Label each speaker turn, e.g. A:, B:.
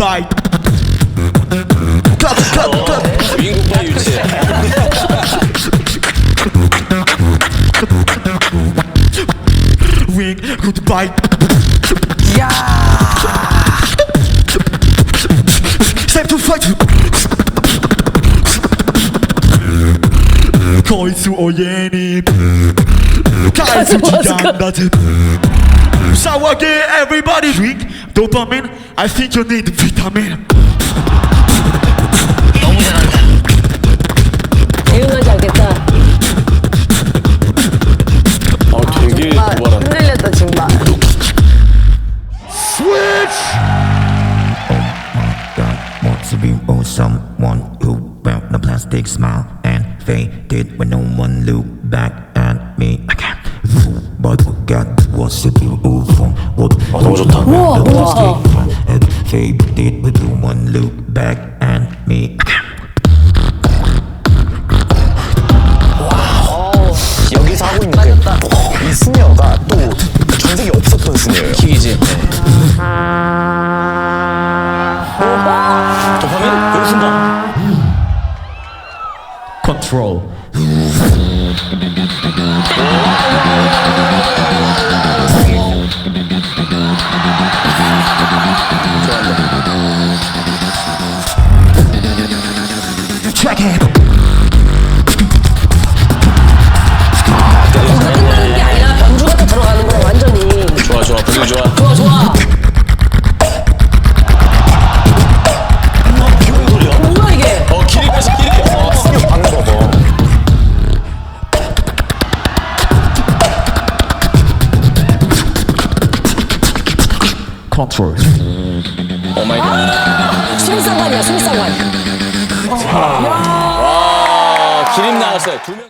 A: goodbye. cut.
B: 주인공과 유치해.
A: Ring goodbye.
C: 야.
A: Time to fight. 거이수 오예니 가이수 지양다트 싸워게 everybody drink dopamine. I think you need vitamin.
B: 너무 잘한다.
C: 대응하지 않겠다.
B: 되게 도발한다.
C: 흔들렸다 정말.
A: Switch.
D: Want to be with someone who wear the plastic smile and faded when no one look back at me. I can't fool, but forgot what's it you from what
B: 너무 좋다.
C: 우와, 너무 좋다.
D: and faded when no one look back at me.
E: 여기서 하고 있는 게 이 스네어가 또 전세계 없었던 스네어예요.
B: 킥이지. 도파민 그 순간.
A: Control. Check it.
C: 끝나는 게 아니라 변주가 또 들어가는 거야 완전히.
B: 좋아 좋아 분위기 좋아.
C: 좋아 좋아. 뭐야 이게?
B: 기립해서 기립해.
E: 스네어 방금 봐봐.
A: Control.
B: 오 마이 갓.
C: 술상관이야 술상관.
B: 와 기립 나왔어요. 두 명.